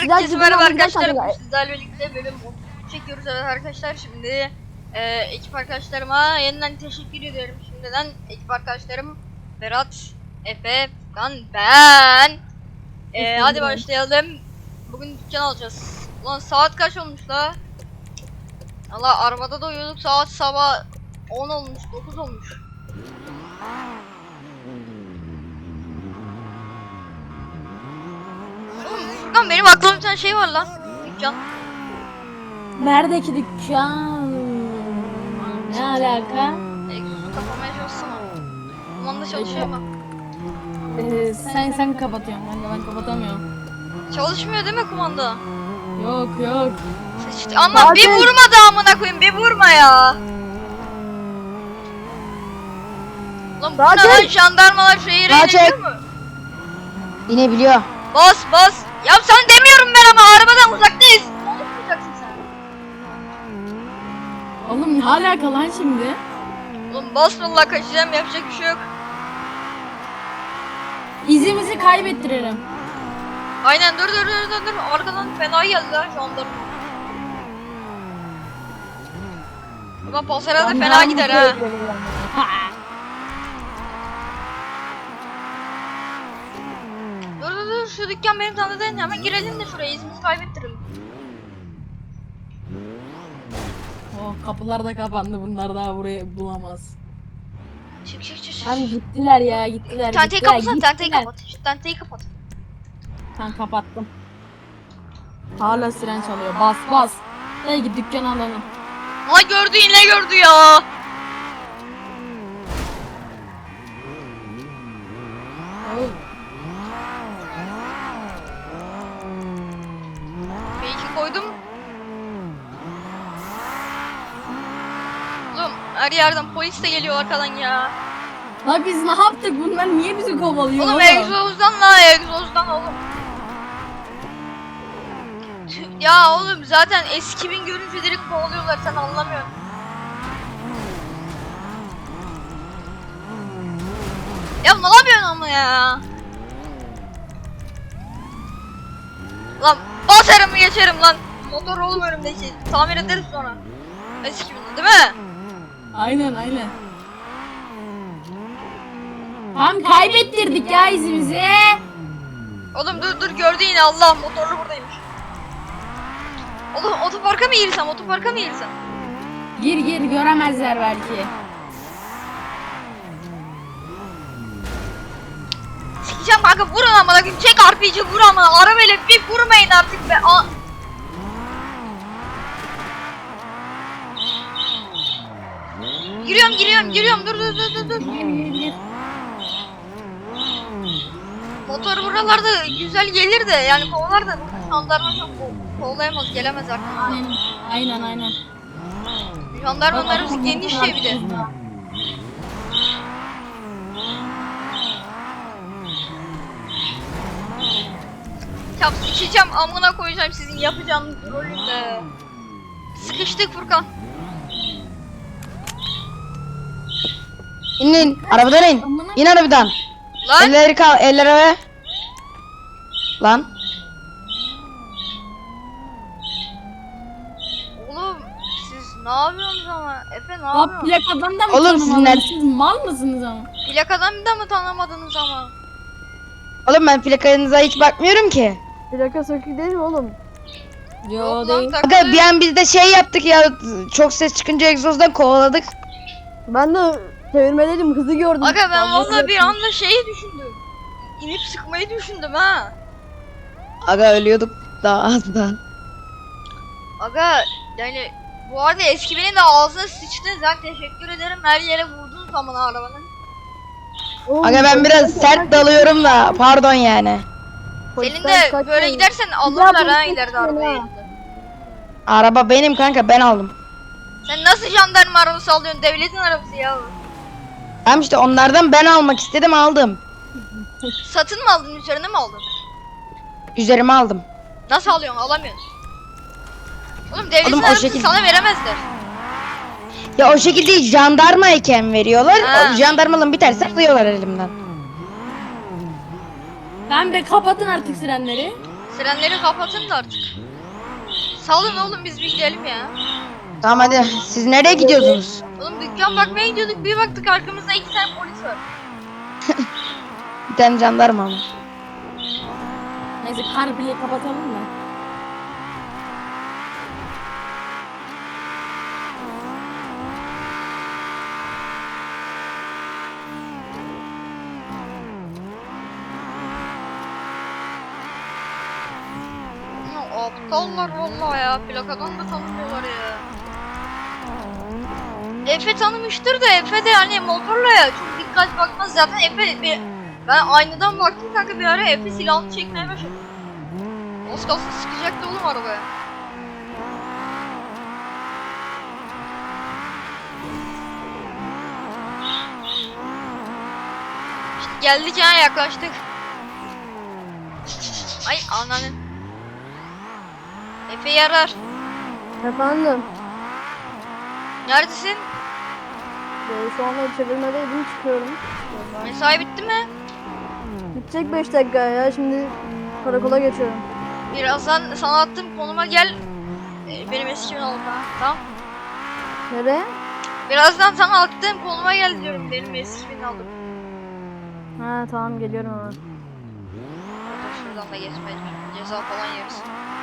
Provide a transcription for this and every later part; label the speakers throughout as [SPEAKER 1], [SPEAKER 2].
[SPEAKER 1] Herkese merhaba arkadaşlar. Sizlerle birlikte bölüm 30 çekiyoruz arkadaşlar. Şimdi ekip arkadaşlarıma yeniden teşekkür ediyorum şimdiden. Ekip arkadaşlarım Berat, Efe, Furkan, ben. Hadi başlayalım. Bugün dükkan alacağız. Ulan saat kaç olmuş la? Allah, arabada da uyuyorduk, saat sabah 10 olmuş, 9 olmuş. Furkan, benim aklımda bir tane şey var lan. Dükkan.
[SPEAKER 2] Neredeki dükkan? Ne alaka?
[SPEAKER 1] Egzozu kapamaya çalışsana. Kumanda çalışıyor mu?
[SPEAKER 2] Sen kapatıyorsun, ben kapatamıyorum.
[SPEAKER 1] Çalışmıyor değil mi kumanda?
[SPEAKER 2] Yok.
[SPEAKER 1] İşte, ama bir vurma da amına koyayım, bir vurma ya. Lan bu ne lan, jandarmalar şehire inebiliyor mu?
[SPEAKER 3] İnebiliyor.
[SPEAKER 1] Bas. Ya sana demiyorum ben ama arabadan uzaktayız. Konuşmayacaksın sen.
[SPEAKER 2] Oğlum ne alaka lan şimdi?
[SPEAKER 1] Oğlum bas vallahi, kaçacağım, yapacak bir şey yok.
[SPEAKER 2] İzimizi kaybettiririm.
[SPEAKER 1] Aynen, dur. Arkadan fena geldi lan jandarma. Ulan pasara da fena gider ha. Dur, şu dükkan benim tanıdığım, hemen girelim de şuraya, izimizi kaybettirelim.
[SPEAKER 2] Oh, kapılar da kapandı, bunlar daha burayı bulamaz.
[SPEAKER 1] Çık.
[SPEAKER 2] Lan gittiler ya, gittiler.
[SPEAKER 1] Tenteyi kapatsana, tenteyi kapat. Şu tenteyi kapat.
[SPEAKER 2] Ben kapattım. Hala siren çalıyor, bas. Hadi git dükkan alalım.
[SPEAKER 1] Ha, gördü, yine gördü ya.
[SPEAKER 2] Oğlum.
[SPEAKER 1] Belki koydum. Oğlum her yerden polis de geliyor arkadan ya.
[SPEAKER 2] La biz ne yaptık? Bunlar niye bizi kovalıyor?
[SPEAKER 1] Oğlum egzozdan oğlum. Ya oğlum zaten eski bin görünce direkt kovalıyorlar, sen anlamıyorsun. Ya ne yapıyorsun ama ya? Lan basarım geçerim lan. Motor oğlum önümdeki. Tamir ederiz sonra. Eski bin değil mi?
[SPEAKER 2] Aynen. Tam kaybettirdik ya izimizi.
[SPEAKER 1] Oğlum dur, gördü yine, Allah, motorlu buradaymış. Oğlum otoparka mı girsem?
[SPEAKER 2] Gir göremezler belki.
[SPEAKER 1] Sikeceğim kanka, vurun amına koyayım, çek RPG, vur ama arabayla bir vurmayın artık be. Giriyorum, dur.
[SPEAKER 2] Gir.
[SPEAKER 1] Motor buralarda güzel gelir de, yani kovalar da jandarma çok kovalayamaz, gelemez artık.
[SPEAKER 2] Aynen.
[SPEAKER 1] Jandarmalarımız geniş ya bir de. Ya sikeceğim, amına koyacağım sizin yapacağınız rolünde. Sıkıştık Furkan.
[SPEAKER 3] İnin. Arabadan in. İn arabadan.
[SPEAKER 1] Lan
[SPEAKER 3] Elleri ve. Lan.
[SPEAKER 1] oğlum siz ne yapıyorsunuz ama? Efe ne
[SPEAKER 2] La
[SPEAKER 1] yapıyorsun?
[SPEAKER 2] plakadan da mı
[SPEAKER 3] Oğlum,
[SPEAKER 2] tanımadınız? Siz mal mısınız ama?
[SPEAKER 1] Plakadan da mı tanımadınız ama?
[SPEAKER 3] Oğlum ben plakanıza hiç bakmıyorum ki.
[SPEAKER 4] Plaka sökük değil mi oğlum?
[SPEAKER 2] Yo
[SPEAKER 1] Lan
[SPEAKER 2] değil.
[SPEAKER 3] Aga
[SPEAKER 1] takılı.
[SPEAKER 3] bir an biz de şey yaptık ya. Çok ses çıkınca egzozdan kovaladık.
[SPEAKER 4] Ben de çevirmeliydim, hızı gördüm.
[SPEAKER 1] Aga ben
[SPEAKER 4] Vallahi
[SPEAKER 1] vallahi bir
[SPEAKER 4] yaptım.
[SPEAKER 1] anda şeyi düşündüm. İnip sıkmayı düşündüm ha.
[SPEAKER 3] Aga ölüyorduk daha az da.
[SPEAKER 1] Aga yani bu arada eski binin de ağzına sıçtınız, ben teşekkür ederim, her yere vurdunuz zaman arabanın.
[SPEAKER 4] Oğlum,
[SPEAKER 3] Aga ben biraz sert dalıyorum da pardon yani.
[SPEAKER 1] Senin
[SPEAKER 4] polisten
[SPEAKER 1] de
[SPEAKER 4] kaçmayın.
[SPEAKER 1] böyle gidersen
[SPEAKER 4] Bir daha
[SPEAKER 1] alırlar ha
[SPEAKER 4] polisten
[SPEAKER 1] ileride
[SPEAKER 4] kaçmayın
[SPEAKER 1] arabayı.
[SPEAKER 4] ha.
[SPEAKER 3] Araba benim kanka, ben aldım.
[SPEAKER 1] Sen nasıl jandarma arabası alıyorsun, devletin arabası ya.
[SPEAKER 3] Tamam işte onlardan ben almak istedim, aldım.
[SPEAKER 1] Satın mı aldın, üzerine mi aldın?
[SPEAKER 3] Üzerime aldım.
[SPEAKER 1] Nasıl alıyorsun, alamıyorsun. Oğlum devletin
[SPEAKER 3] Oğlum, o
[SPEAKER 1] arabası
[SPEAKER 3] şekilde-
[SPEAKER 1] sana veremezler.
[SPEAKER 3] Ya o şekilde jandarmayken veriyorlar.
[SPEAKER 1] Ha.
[SPEAKER 3] O jandarmalığın biterse alıyorlar elimden.
[SPEAKER 2] Ben be kapatın artık sirenleri.
[SPEAKER 1] Frenleri kapatın da artık. Salın oğlum biz bir gidelim ya.
[SPEAKER 3] Tamam hadi. Siz nereye gidiyorsunuz?
[SPEAKER 1] Oğlum dükkan bakmaya gidiyorduk bir baktık arkamızda 2 tane polis var.
[SPEAKER 3] Bir tane jandarma ama.
[SPEAKER 2] Neyse CarPlay'i kapatalım mı?
[SPEAKER 1] Ya, aptallar vallahi ya. Plakadan da tanımıyorlar ya. Efe tanımıştır da Efe de hani motorla ya çok dikkat bakmaz zaten ben aynadan baktım kanka bir ara Efe silahını çekmeye başladı. Az kalsın sıkacaktı oğlum arabaya. İşte geldik ya yaklaştık. Ay ananın. Efe yarar.
[SPEAKER 4] Efendim.
[SPEAKER 1] Neredesin?
[SPEAKER 4] Şu anda çevirmedeydim çıkıyorum.
[SPEAKER 1] Mesai bitti mi?
[SPEAKER 4] Bitecek 5 dakika ya şimdi karakola geçiyorum.
[SPEAKER 1] Birazdan sana attığım konuma gel. Benim eskimin oldu ha. Tamam.
[SPEAKER 4] Nereye?
[SPEAKER 1] Birazdan sana attığım konuma gel diyorum. Benim eskimin aldım.
[SPEAKER 4] Ha tamam geliyorum hemen.
[SPEAKER 1] Şuradan da geçmeye ceza falan yeriz.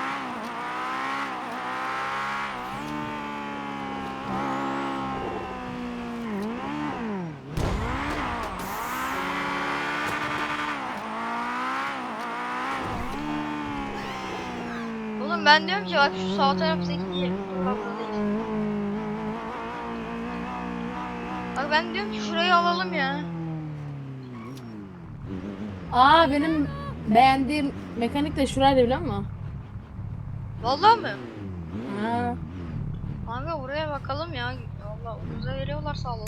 [SPEAKER 1] Oğlum ben diyorum ki bak şu sağ taraftaki sokakta değil. Bak ben diyorum ki şurayı alalım ya.
[SPEAKER 2] Aa benim beğendiğim mekanik de şuraydı biliyor musun?
[SPEAKER 1] Vallahi mi?
[SPEAKER 2] Ha.
[SPEAKER 1] Kanka buraya bakalım ya. Vallahi ucuza veriyorlarsa alalım.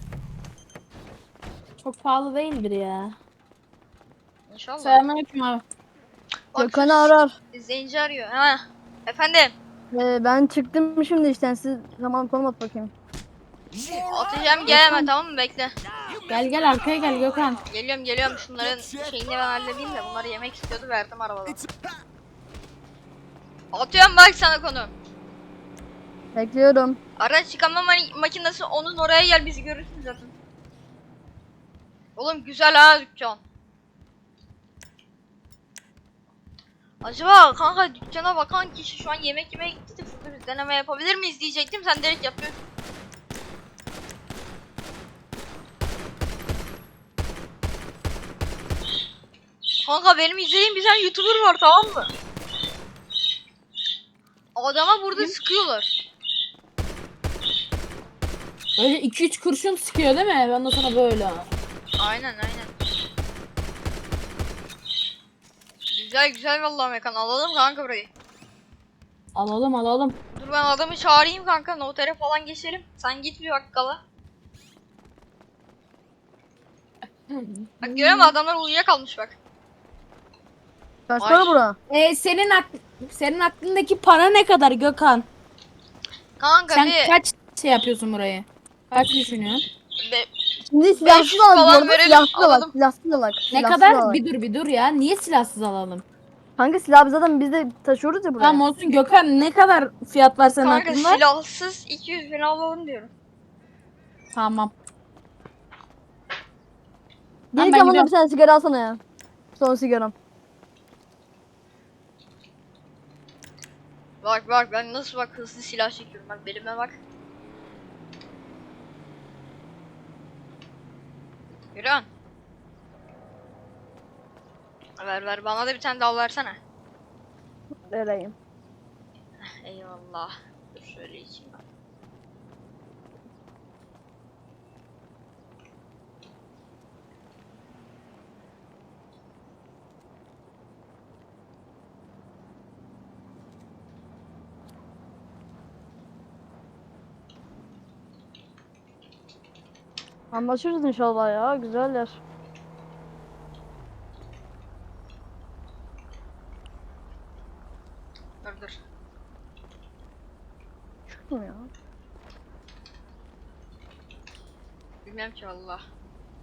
[SPEAKER 2] Çok pahalı değildir ya.
[SPEAKER 1] İnşallah.
[SPEAKER 2] Selamünaleyküm abi.
[SPEAKER 1] Bak,
[SPEAKER 4] Gökhan'ı arar.
[SPEAKER 1] İzleyici arıyor. Ha. Efendim.
[SPEAKER 4] Ben çıktım şimdi işten siz zaman konum at bakayım.
[SPEAKER 1] Atacağım geleme tamam mı? Bekle.
[SPEAKER 2] Gel gel arkaya gel Gökhan.
[SPEAKER 1] Geliyorum şunların şeyini ben halledeyim de bunları yemek istiyordu verdim arabadan. Atıyorum bak sana konu.
[SPEAKER 4] Bekliyorum.
[SPEAKER 1] Araç yıkama makinesi onun oraya gel bizi görürsün zaten. Oğlum güzel ha dükkan. Acaba kanka dükkana bakan kişi şu an yemek yemeye gitti de şurada bir deneme yapabilir miyiz diyecektim sen direkt yapıyorsun. Kanka benim izlediğim bir tane YouTuber var tamam mı? Adama burada sıkıyorlar.
[SPEAKER 2] Böyle 2-3 kurşun sıkıyor değil mi? Ben de sana böyle.
[SPEAKER 1] Aynen. Güzel vallahi mekan alalım kanka burayı.
[SPEAKER 2] Alalım.
[SPEAKER 1] Dur ben adamı çağırayım kanka notere falan geçelim. Sen git bir bakkala. Bak görüyor musun adamlar uyuyakalmış bak.
[SPEAKER 4] Kaç
[SPEAKER 1] Ay.
[SPEAKER 4] para bura?
[SPEAKER 2] Senin aklındaki para ne kadar Gökhan?
[SPEAKER 1] Kanka
[SPEAKER 2] Sen
[SPEAKER 1] bir
[SPEAKER 2] kaç şey yapıyorsun burayı? Kaç düşünüyorsun?
[SPEAKER 4] Şimdi silahsız
[SPEAKER 1] 500
[SPEAKER 4] alalım bu
[SPEAKER 1] falan
[SPEAKER 4] arada.
[SPEAKER 1] verelim,
[SPEAKER 4] Silahsız alak.
[SPEAKER 1] alalım.
[SPEAKER 4] Silahsız alak.
[SPEAKER 2] Ne
[SPEAKER 4] Silahsız
[SPEAKER 2] kadar?
[SPEAKER 4] alak.
[SPEAKER 2] Bir dur ya. Niye silahsız alalım?
[SPEAKER 4] Kanka silah zaten biz de taşıyoruz ya buraya.
[SPEAKER 2] Tamam olsun Gökhan ne kadar fiyat var senin
[SPEAKER 1] kanka
[SPEAKER 2] aklında?
[SPEAKER 1] silahsız 200 bin alalım diyorum.
[SPEAKER 2] Tamam.
[SPEAKER 4] Gelirken
[SPEAKER 2] ben
[SPEAKER 4] bana
[SPEAKER 2] gidiyorum.
[SPEAKER 4] bir tane sigara alsana ya. Son sigaram.
[SPEAKER 1] Bak ben nasıl bak hızlı silah çekiyorum bak belime bak. Yürüyen. Ver bana da bir tane daha versene.
[SPEAKER 4] Vereyim.
[SPEAKER 1] Eyvallah. Dur şöyle içeyim ben.
[SPEAKER 4] Anlaşırız inşallah ya. Güzeller.
[SPEAKER 1] Dur.
[SPEAKER 4] Çıktım ya.
[SPEAKER 1] Bilmem ki valla.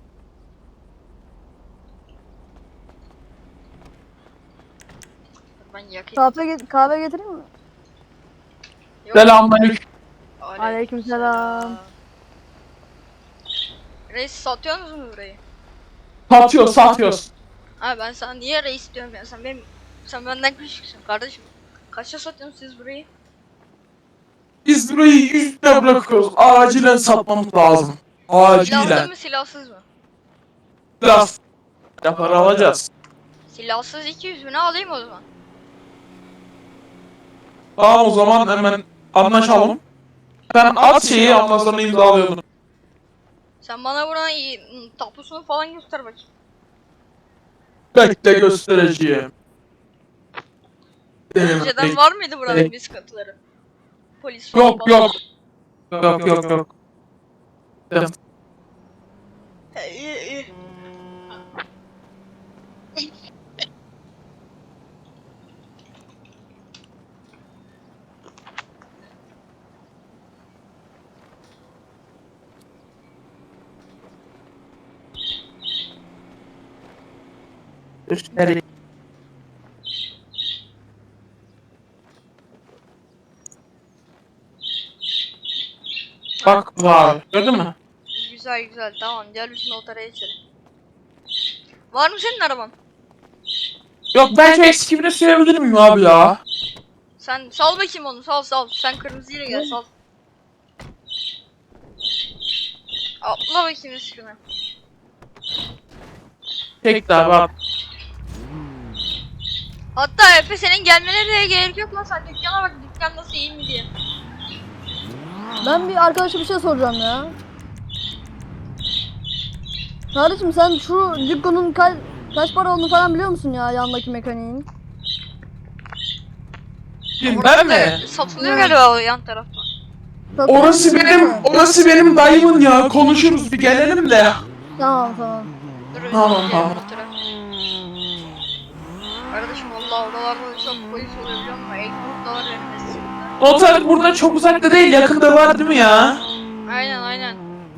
[SPEAKER 1] Dur ben yakayım.
[SPEAKER 4] Kahve getireyim mi?
[SPEAKER 1] Yok.
[SPEAKER 2] Selamünaleyküm.
[SPEAKER 4] Aleykümselam.
[SPEAKER 1] Reis satıyorsunuz mu burayı?
[SPEAKER 2] Satıyoruz.
[SPEAKER 1] Abi ben sana niye reis diyorum ya, sen benden küçüksün kardeşim. Kaça satıyorsunuz siz burayı?
[SPEAKER 2] Biz burayı 100 lira bırakıyoruz. Acilen satmamız lazım.
[SPEAKER 1] Silahlı mı silahsız mı?
[SPEAKER 2] Biraz para alacağız.
[SPEAKER 1] Silahsız 200 bine alayım o zaman.
[SPEAKER 2] Tamam o zaman hemen anlaşalım. Ben at şeyi ondan sonra imzalıyorum.
[SPEAKER 1] Sen bana buranın tapusunu falan göster bakayım.
[SPEAKER 2] Bekle göstereceğim.
[SPEAKER 1] Önceden var mıydı buranın bir sıkıntıları? Polis falan
[SPEAKER 2] Yok
[SPEAKER 1] falan.
[SPEAKER 2] yok. Yok.
[SPEAKER 1] İyi.
[SPEAKER 2] Göstereyim. Bak var. Gördün mü?
[SPEAKER 1] Güzel tamam, gel bizim otara geçelim. Var mı senin araban?
[SPEAKER 2] Yok ben şu eksikimini sürebilir miyim abi ya?
[SPEAKER 1] Sen sal bakayım onu, sal. Sen kırmızıyla gel, sal. Atla bakayım üstüne.
[SPEAKER 2] Tek daha bak.
[SPEAKER 1] Hatta Efe senin gelmene de gerek yok lan, sen dükkana bak, dükkan nasıl, iyi mi diye.
[SPEAKER 4] Ben bir arkadaşa bir şey soracağım ya. Kardeşim sen şu dükkanın kaç para olduğunu falan biliyor musun ya, yandaki mekaniğin?
[SPEAKER 2] Kim ben mi?
[SPEAKER 1] Satılıyor galiba o yan tarafta.
[SPEAKER 2] Orası benim dayımın ya. Konuşuruz bir gelelim de.
[SPEAKER 4] Tamam.
[SPEAKER 1] Dur,
[SPEAKER 2] Tamam.
[SPEAKER 1] otura. Kardeşim vallahi oralarda da çok polis oluyor biliyor musun? Ekmek da var benim mesleğimde.
[SPEAKER 2] Noter burada çok uzakta değil, yakında var değil mi ya?
[SPEAKER 1] Aynen.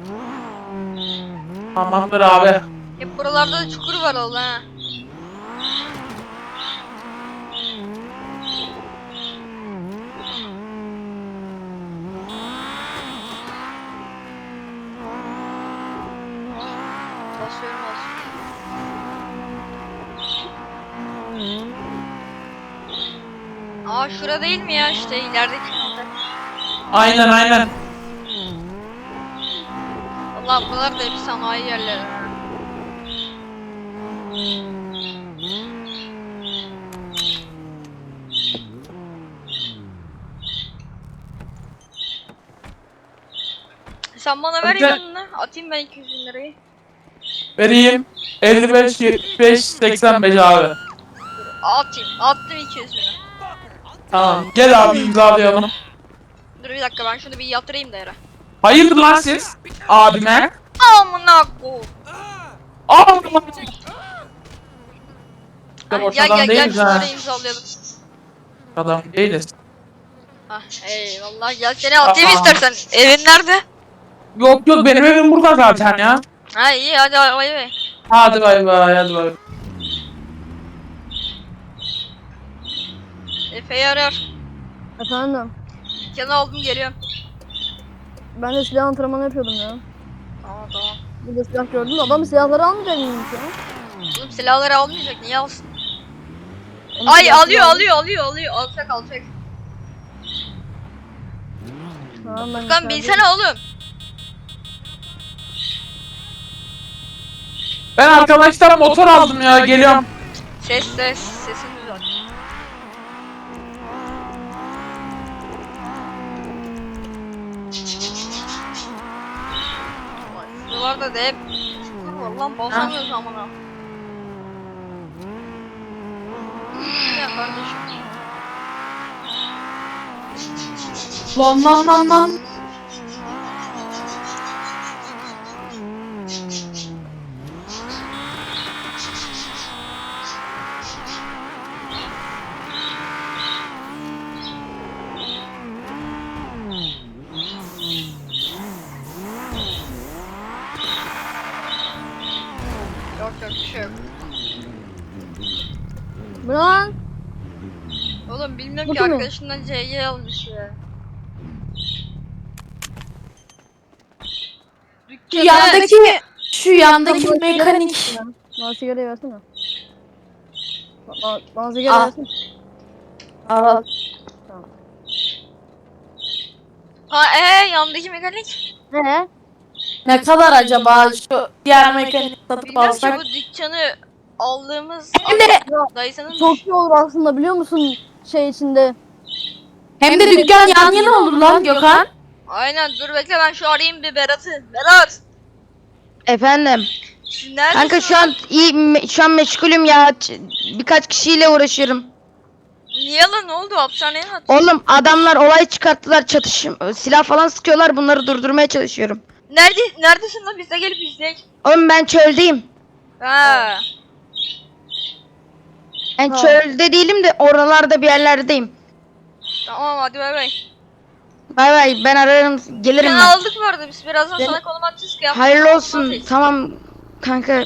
[SPEAKER 2] Tamamdır abi.
[SPEAKER 1] Hep buralarda da çukur var oğlum ha. Basıyorum. Aa şura değil mi ya, işte ilerideki nokta.
[SPEAKER 2] Aynen.
[SPEAKER 1] Vallahi buralar da hep sanayi yerleri ha. Sen bana ver yanına, atayım ben 200 bin lirayı.
[SPEAKER 2] Vereyim. 55, 75, 85 abi.
[SPEAKER 1] Attım 200 bini.
[SPEAKER 2] Tamam. Gel abi imzalayalım.
[SPEAKER 1] Dur bir dakika, ben şunu bir yatırayım da yere.
[SPEAKER 2] Hayırdır lan siz? Abime.
[SPEAKER 1] Amına ko.
[SPEAKER 2] Abime.
[SPEAKER 1] Gel
[SPEAKER 2] Boş adam değiliz ha.
[SPEAKER 1] şunları imzalayalım.
[SPEAKER 2] Adam değiliz.
[SPEAKER 1] Ah eyvallah, gel seni atayım
[SPEAKER 2] Aa.
[SPEAKER 1] istersen. Evin nerede?
[SPEAKER 2] Yok benim evim burada zaten ya.
[SPEAKER 1] Ha iyi, hadi bay bay.
[SPEAKER 2] Hadi bay bay.
[SPEAKER 1] Efe'yi arıyor.
[SPEAKER 4] Efendim.
[SPEAKER 1] Dükkanı aldım, geliyorum.
[SPEAKER 4] Ben de silah antrenmanı yapıyordum ya.
[SPEAKER 1] Tamam.
[SPEAKER 4] Bir de silah gördüm de adam silahları almayacak mıymış ya?
[SPEAKER 1] Oğlum silahları almayacak, niye alsın?
[SPEAKER 4] Onun
[SPEAKER 1] Ay
[SPEAKER 4] silahları
[SPEAKER 1] alıyor. Alacak.
[SPEAKER 4] Tamam, ben
[SPEAKER 1] Furkan bilsene oğlum.
[SPEAKER 2] Ben arkadaşlar motor aldım ya, geliyorum.
[SPEAKER 1] Sesin güzel. Buralarda da hep çukur var lan, basamıyoruz amına. Ya kardeşim.
[SPEAKER 2] Lan.
[SPEAKER 1] Yok bir şey yok.
[SPEAKER 4] Bu ne lan?
[SPEAKER 1] Bilmiyorum ki
[SPEAKER 4] Bakın mı?
[SPEAKER 1] arkadaşımdan CG almış ya.
[SPEAKER 2] Şu
[SPEAKER 1] Dükkana
[SPEAKER 2] yandaki
[SPEAKER 4] Bana
[SPEAKER 2] mekanik.
[SPEAKER 4] sigara versene. Bana sigarayı versene. Bana sigara
[SPEAKER 2] Al.
[SPEAKER 4] versene.
[SPEAKER 2] Al.
[SPEAKER 1] yandaki mekanik.
[SPEAKER 4] Ne?
[SPEAKER 2] Ne kadar acaba şu diğer mekanik satıp
[SPEAKER 1] Bilmiyorum ki
[SPEAKER 2] alsak?
[SPEAKER 1] bu dükkanı aldığımız
[SPEAKER 2] Hem de
[SPEAKER 1] dayısının
[SPEAKER 4] Çok iyi olur aslında biliyor musun şey içinde.
[SPEAKER 2] hem de dükkan yan yana olur lan Gökhan.
[SPEAKER 1] Aynen dur bekle ben şu arayayım bir Berat'ı. Berat!
[SPEAKER 3] Efendim.
[SPEAKER 1] Siz neredesin
[SPEAKER 3] Kanka şu
[SPEAKER 1] lan?
[SPEAKER 3] an şu an meşgulüm ya. Birkaç kişiyle uğraşıyorum.
[SPEAKER 1] Niye lan ne oldu hapishaneye mi attın?
[SPEAKER 3] Oğlum adamlar olay çıkarttılar, silah falan sıkıyorlar, bunları durdurmaya çalışıyorum.
[SPEAKER 1] Neredesin lan biz de gelip izleyek.
[SPEAKER 3] Oğlum ben çöldeyim.
[SPEAKER 1] Ha.
[SPEAKER 3] Ben
[SPEAKER 4] Ha.
[SPEAKER 3] çölde değilim de oralarda bir yerlerdeyim.
[SPEAKER 1] Tamam hadi bay bay.
[SPEAKER 3] Bay bay, ben ararım, gelirim
[SPEAKER 1] Sen
[SPEAKER 3] ben.
[SPEAKER 1] aldık bu arada biz birazdan sana konum atacağız ki yapma.
[SPEAKER 3] Hayırlı olsun. Tamam kanka,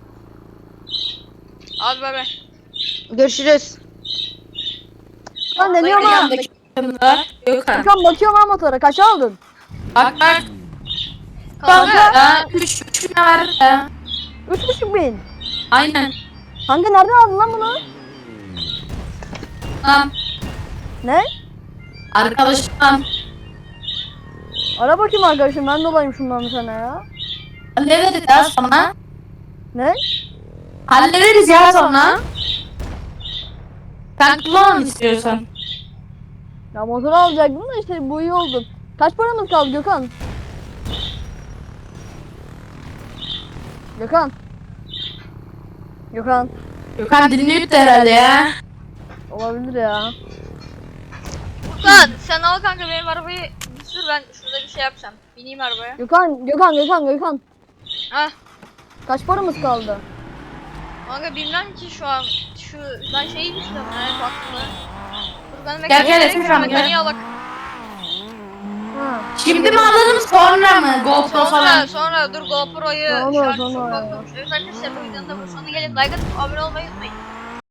[SPEAKER 1] Hadi bay bay.
[SPEAKER 3] görüşürüz.
[SPEAKER 4] Lan ne diyorum
[SPEAKER 1] Dayı
[SPEAKER 4] ha?
[SPEAKER 2] Yandaki mekanik Gökhan.
[SPEAKER 4] Gökhan bakıyorum ha motora. Kaç aldın?
[SPEAKER 2] Bak bak.
[SPEAKER 1] Kanka.
[SPEAKER 2] Kanka 3 bin ver.
[SPEAKER 4] 3,5 bin.
[SPEAKER 2] Aynen.
[SPEAKER 4] Kanka nereden aldın lan bunu?
[SPEAKER 2] Lan
[SPEAKER 4] Ne?
[SPEAKER 2] arkadaşım.
[SPEAKER 4] Ara bakayım arkadaşım ben de olayım şundan bir tane ya.
[SPEAKER 2] Hallederiz ya sonra.
[SPEAKER 4] Ne?
[SPEAKER 2] Hallederiz ya sonra. Sen kullan istiyorsan.
[SPEAKER 4] Ya motor alacaktım da işte bu iyi oldu. Kaç paramız kaldı Gökhan? Gökhan. Gökhan.
[SPEAKER 2] Gökhan dinliyor da herhalde ya.
[SPEAKER 4] Olabilir ya.
[SPEAKER 1] Furkan sen al kanka benim arabayı bir sür ben şurada bir şey yapacağım. Bineyim arabaya.
[SPEAKER 4] Gökhan.
[SPEAKER 1] Hah.
[SPEAKER 4] Kaç paramız kaldı?
[SPEAKER 1] Kanka bilmem ki şu an ben şeyi düşünüyorum yani baktığımda. Furkan'ın
[SPEAKER 2] Gel, gel,
[SPEAKER 1] mekaniği
[SPEAKER 2] Efekan,
[SPEAKER 1] mekaniği alak.
[SPEAKER 4] Ha.
[SPEAKER 2] Şimdi mi alalım sonra mı? GoPro falan.
[SPEAKER 1] Sonra dur GoPro'yu
[SPEAKER 4] Sonra,
[SPEAKER 1] şu an
[SPEAKER 4] sonra
[SPEAKER 1] çok
[SPEAKER 4] ya.
[SPEAKER 1] bakmamış. Evet arkadaşlar bu videonun da bu sonuna gelin. Like atıp abone olmayı unutmayın.